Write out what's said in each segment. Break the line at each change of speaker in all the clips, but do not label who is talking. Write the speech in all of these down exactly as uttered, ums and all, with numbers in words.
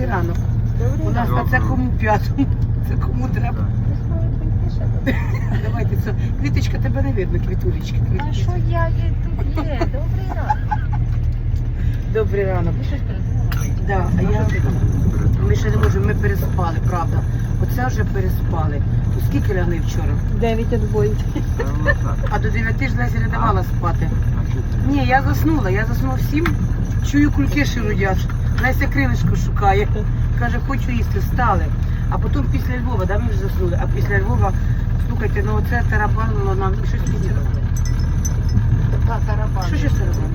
Добрий ранок.
Добрий
У нас
ранок.
на це кому п'ятому. Це кому треба. Давайте це. Квіточка, тебе не видно, квітулечки.
А що я є тут є? Добрий ранок.
Добрий ранок.
Ви щось передумали?
Да, а я... Ми ще не можемо, ми переспали, правда. Оце вже переспали. То скільки лягли вчора?
Дев'ять відбоїть.
А до дев'яти ж Леся не давала спати. Ні, я заснула, я заснула всім. Чую, кульки ширудять. Леся крилишко шукає. Каже, хочу їсти, встали. А потім після Львова, да, ми вже заснули. А після Львова, слухайте, ну оце тарабанило нам. І щось після.
Та тарабан.
Що ще тарабан?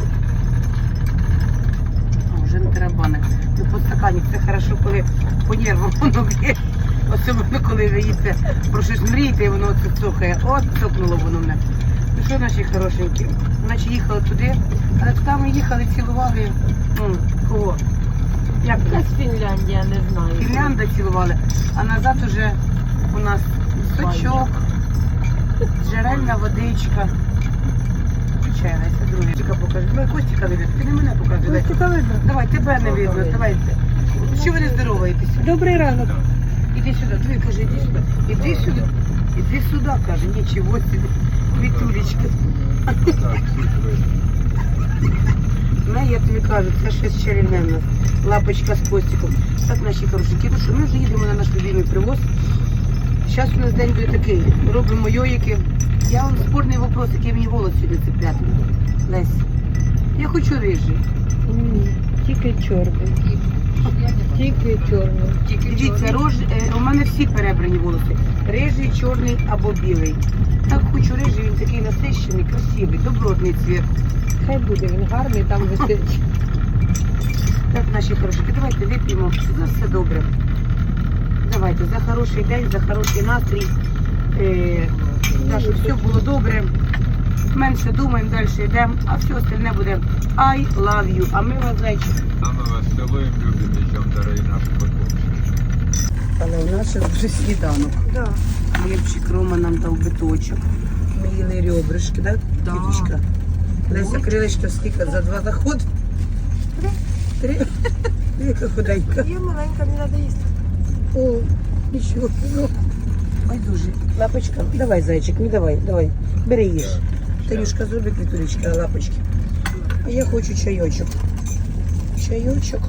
А, вже не тарабани. Ну, по стакані, це хорошо, коли по нервам воно б'є. Особливо, коли ви їсте про щось мрієте, і воно оце цокає. От цокнуло воно мене. Ну що, наші хорошенькі? Наче їхали туди, але туди ми їхали, цілували. М, кого? Як це?
Якась Фінляндія, не знаю.
Фінлянда цілували, а назад уже у нас сочок, джерельна водичка. Включай, Леся, другий. Покажи. Давай Костіка не видно, ти не мене показуй. Леся.
Костіка видно.
Давай, тебе не видно, давай. Що ви не здороваєтесь?
Добрий ранок.
Іди сюди, диви, каже, іди сюди. Іди сюди. Іди сюди, каже, нічого собі. Вітулечка. Ну, я тобі кажу, це щось чарівне в нас. Лапочка з Костиком. Так, наші хорошенькі, ну що, ми вже їдемо на наш любимий привоз. Зараз у нас день буде такий. Робимо йоїки. Я вам спорний вопрос, який мені волос сьогодні цепляти. Лесь, я хочу рижий.
Ні, тільки чорний. Тільки чорний.
Дивіться, рож, е, у мене всі перебрані волоси. Рижий, чорний або білий. Так хочу рижий, він такий насищений, красивий, добротний цвіт.
Хай буде, він гарний, там висить.
Так, наші хорошики, давайте вип'ємо. За все добре. Давайте, за хороший день, за хороший настрій. Е, так, щоб все було добре. Менше думаємо, далі йдемо, а все остальне буде I love you. А ми вас, зайчик.
А мы вас целуем, любим, причем, дорогие наши подписчики.
Але у нас ще вже сніданок.
Да.
Хлібчик Рома нам дав биточок. Ми їли ребрышки, так?
Да.
Квіточка? Леся крилечко скільки? За два заходи? Три. Три? Яка худенька.
Я маленька, мені треба їсти.
О, нічого. Ну, байдуже. Лапочка, давай, зайчик, ну давай, давай. Бери їж. Танюшка, зроби квітулечка, лапочки. А я хочу чайочок. Чайочок.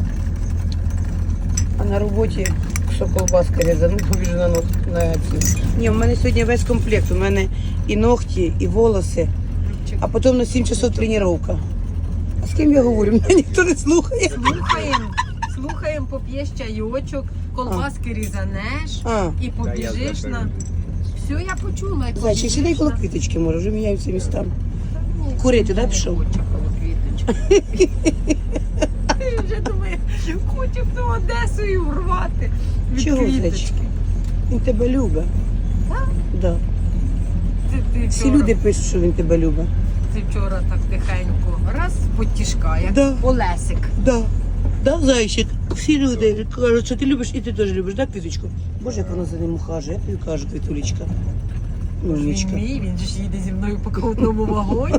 А на роботі що колбаска різану, побіжу на нос на ці. Ні, в мене сьогодні весь комплект. У мене і ногті, і волоси, а потім на сім часов тренування. А з ким я говорю? Мене ніхто не слухає.
Слухаємо, слухаємо, поп'єш чайочок, колбаски різанеш
А,
і побіжиш на... Все, я почула. і
зайчик,
побіжиш
сідай коло
на-
квіточки, може, вже міняються містами.
Ні,
Курити, да,
не
пішов?
хочу коло квіточки. Ти вже думає, хочу в ту Одесу урвати від
Чого,
квіточки.
зайчик? Він тебе любить.
Так?
Да.
Це ти
Всі
вчора,
люди пишуть, що він тебе любить.
ти вчора так тихенько, раз, потішка, як
Да.
Олесик.
Да. Да, зайчик. Всі люди кажуть, що ти любиш, і ти теж любиш, да, квіточку? Боже, як вона за ним ухажує, я тобі кажу, квітулечка.
Він
Умничка.
мій, він же ж їде зі мною по колотному вагоні.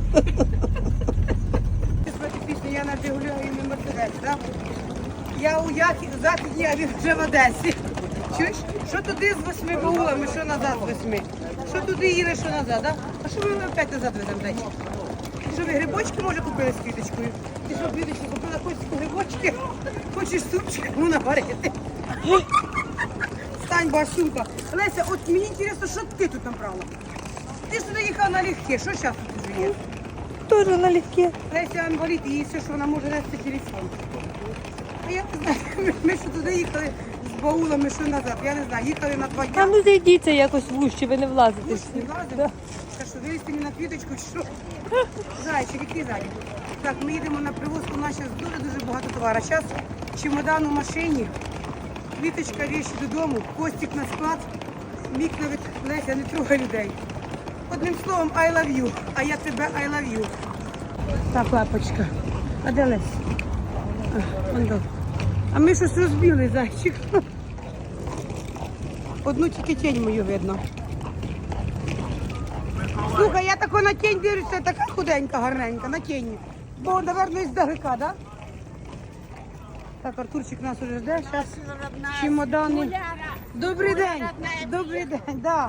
Пісню я на Жигулю і на Мерседесі, так? Я у Західній, а він вже в Одесі. Чуєш? Що туди з восьми баулами, що назад з восьми? Що туди їли, що назад, так? А що ми опять назад веземо, зайчик? Ти що, ви грибочки, може, купили з квіточкою? Ти що, квіточку, купила Костіку грибочки? Хочеш супчик йому наварити? Стань, Басюка. Леся, от мені цікаво, що ти тут набрала? Ти ж туди їхала налегке, що зараз тут вже є?
Тоже налегке.
Леся інвалід, і їй все, що вона може нести телефон. А я не знаю, ми, ми що туди їхали з баулами, що назад. Я не знаю, їхали на два
А
дня.
ну зайдіться якось в ущі, ви не влазите.
Ми ж не влазимо. Та що, вилізти мені на квіточку, чи що? Зайчик, який зайчик? Так, ми їдемо на привоз, у нас зараз дуже-дуже багато товару. Зараз чемодан у машині, квіточка, речі додому, Костик на склад, Мік навіть, Леся, не трогай людей. Одним словом, I love you, а я тебе I love you. Так, лапочка. А де Лесь? А, вон до. А ми щось розбили, зайчик. Одну тільки тінь мою видно. Слухай, я тако на тінь дивлюся, така худенька, гарненька, на тіні. Бо, напевно, іздалека, да? Так, Артурчик нас уже жде. Зараз чемодани. Добрий день. Добрий день, да.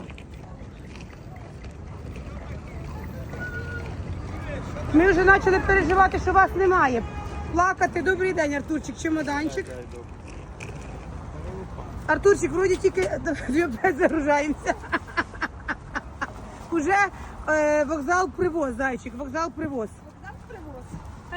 Ми вже почали переживати, що вас немає. Плакати. Добрий день, Артурчик, чемоданчик. Артурчик, вроді тільки опять загружаємося. Уже е, вокзал привоз, зайчик, вокзал привоз. Вокзал привоз.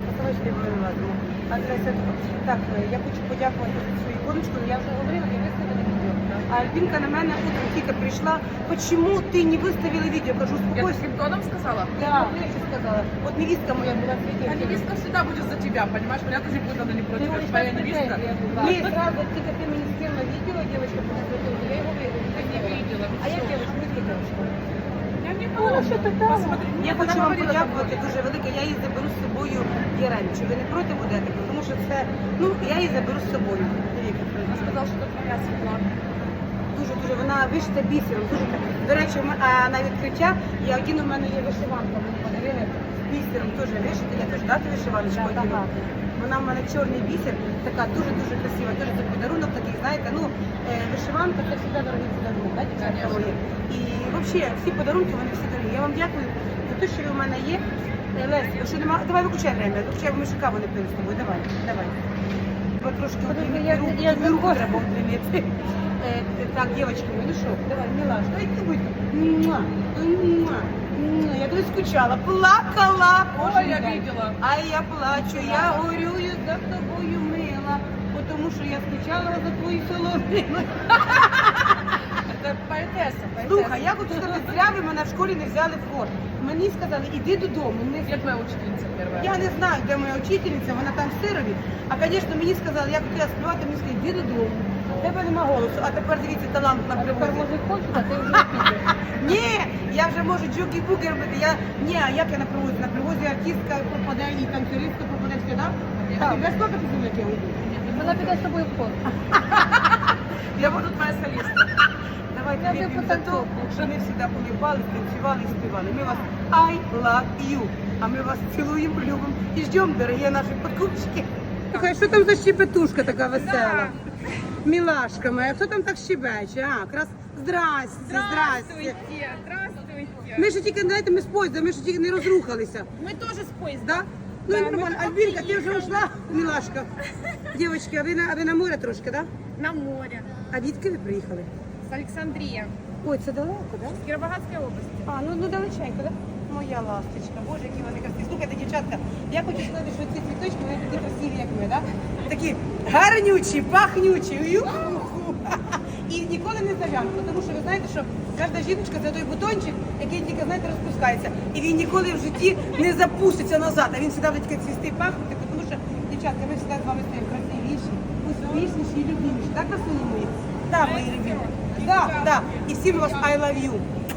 Так, я хочу подякувати за свою іконочку, але я вже говорила, я виставила відео. А Альбінка на мене утром тільки прийшла. Почему ти не виставила відео? Кажу,
Я
успокойся.
таким тоном сказала?
Да, я ще сказала. От невістка моя була в відео.
А невестка всегда будет за тебя, понимаешь? Меня тоже будет она не против, это твоя невестка.
Ні, правда, тільки ти мені скинула відео, дівчинка, я його
Я не видела.
А я дівчинка, видки дівчинка.
Я не помню. Посмотри,
Я
она
хочу вам
говорила
подякувати дуже велике. Я її заберу з собою в Єрень. Чи ви не проти будете? Тому що це, ну, я її заберу з собою.
Она сказала, что это твоя Светлана.
Дуже дуже вона вишита бісером. Дуже так. До речі, в м- а на відкриття я один у мене є вишиванка. Мені подарили бісером теж вишита. Я теж дати вишиваночку одягну. Вона в мене чорний бісер, така дуже дуже красива. Дуже це подарунок такий, знаєте, ну е, вишиванка це завжди дорогий подарунок, да, дівчатка мої. І взагалі всі подарунки вони всі дорогі. Я вам дякую за те, що ви в мене є. Е, Лесь, якщо нема, давай виключай время, виключай, ми ще каву не пили з тобою. Давай, давай. Бо трошки
Подожди,
обіймі-
я-
руку,
я
тобі руку
заходжу.
треба обіймати. Е, Так, дівчатки, ну що, давай, милаш, дай ти будь. Муа, муа, муа. Я дуже скучала, плакала.
Ой,
кожен
я
день.
видела.
А я плачу, я горюю за тобою, мила, тому що я скучала за твою соломину.
Это поэтесса, поэтесса.
Слухай, я хочу сказати, зря ви мене в школі не взяли в хор. Мені сказали, іди додому. Не...
Где твоя учительница первая?
Я не знаю, де моя учительниця, вона там в Сирові. А, звісно, мені сказали, я хотіла співати, мені сказали, іди додому. В тебе нема голосу, а тепер дивіться талант на
Тепер
привозі.
може хочеш, а ти вже підеш.
Ні, я вже можу джугі-буги робити. Я... Ні, а як я на привозі? На привозі артистка пропаде і танцюристка пропаде все, так? А ти без скільки ти як я уйду?
Вона піде з тобою в ход.
Я буду твоя солистка.
Давайте
Я
вип'ємо
вже
за те,
потанцовку.
що ми завжди улыбались, танцювали і співали. Ми вас I love you. А ми вас цілуємо, любимо і ждемо, дорогі наші покупчики. Слухай, що там за щебетушка така весела? Мілашка моя, хто там так щебече? А, якраз здрасте, здрасте.
здравствуйте.
Ми ж тільки, знаєте, ми з поїзда, ми ж тільки не розрухалися.
Мы тоже с поезда.
Да? Ну, і нормально. Альбінка, ти вже ушла, мілашка. Дівчатки, а ви на, а ви на море трошки, так?
На море.
А відки ви приїхали?
С Александрия.
Ой, це далеко, так? Да?
С Кировоградской области.
А, ну, ну далеченько, да? Моя ласточка, боже, які вони красиві. Слухайте, дівчатка, я хочу сказати, що ці цвіточки, вони такі красиві, як ми, да? Такі гарнючі, пахнючі, ю-ху-ху. І ніколи не зав'януть, тому що ви знаєте, що кожна жіночка це той бутончик, який тільки, знаєте, розпускається. І він ніколи в житті не запуститься назад, а він завжди буде тільки цвісти і пахнути, тому що, дівчатка, ми завжди з вами стаємо красивіші, успішніші і любіміші. Так, красуні мої? Так, мої любимі. Так, так. І всім вас I love you.